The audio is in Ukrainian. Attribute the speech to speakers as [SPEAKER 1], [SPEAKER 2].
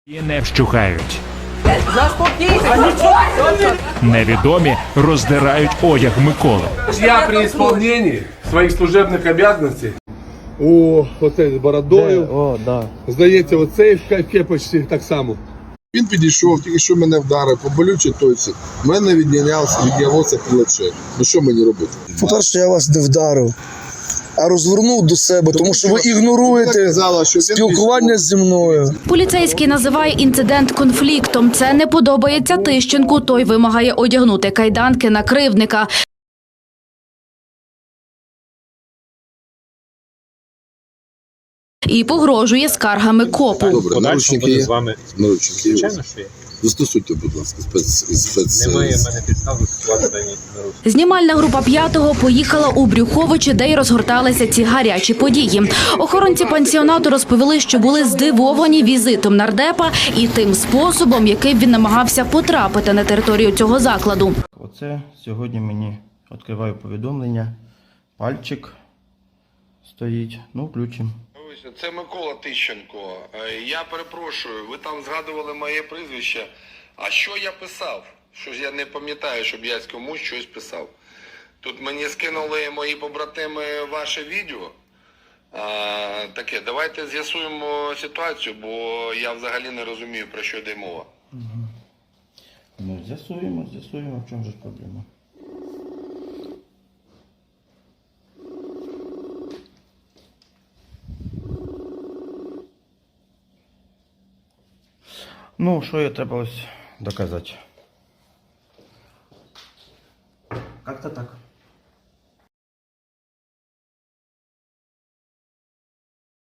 [SPEAKER 1] І не вщухають. Невідомі роздирають одяг Миколи.
[SPEAKER 2] Я при исполнении своих служебных обязанностей. О, оцей з бородою.
[SPEAKER 3] О, да.
[SPEAKER 2] Здається, оцей в кепочці так само.
[SPEAKER 4] Він підійшов, тільки що мене вдарив, по болючій точці. В мене віднялося плече. Ну що мені робити?
[SPEAKER 5] По-перше, я вас не вдарив, а розвернув до себе, тому що ви ігноруєте спілкування зі мною.
[SPEAKER 6] Поліцейський називає інцидент конфліктом. Це не подобається Тищенку. Той вимагає одягнути кайданки на кривдника. І погрожує скаргами копу.
[SPEAKER 4] Добре, наручники є?
[SPEAKER 7] з вами.
[SPEAKER 4] Наручники є.
[SPEAKER 7] Звичайно, що є.
[SPEAKER 4] Застосуйте, будь ласка,
[SPEAKER 7] Немає в мене підстав застосувати дані наручники.
[SPEAKER 6] Знімальна група «П'ятого» поїхала у Брюховичі, де й розгорталися ці гарячі події. Охоронці пансіонату розповіли, що були здивовані візитом нардепа і тим способом, яким він намагався потрапити на територію цього закладу.
[SPEAKER 3] Оце сьогодні мені відкриваю повідомлення. Пальчик стоїть. Ну, включимо.
[SPEAKER 8] Це Микола Тищенко. Я перепрошую, ви там згадували моє прізвище. А що я писав? Що ж я не пам'ятаю, щоб я комусь щось писав. Тут мені скинули мої побратими ваше відео. Таке, давайте з'ясуємо ситуацію, бо я взагалі не розумію, про що йде мова.
[SPEAKER 3] Ну, з'ясуємо, в чому ж проблема. Ну, що я треба ось доказати? Как-то так.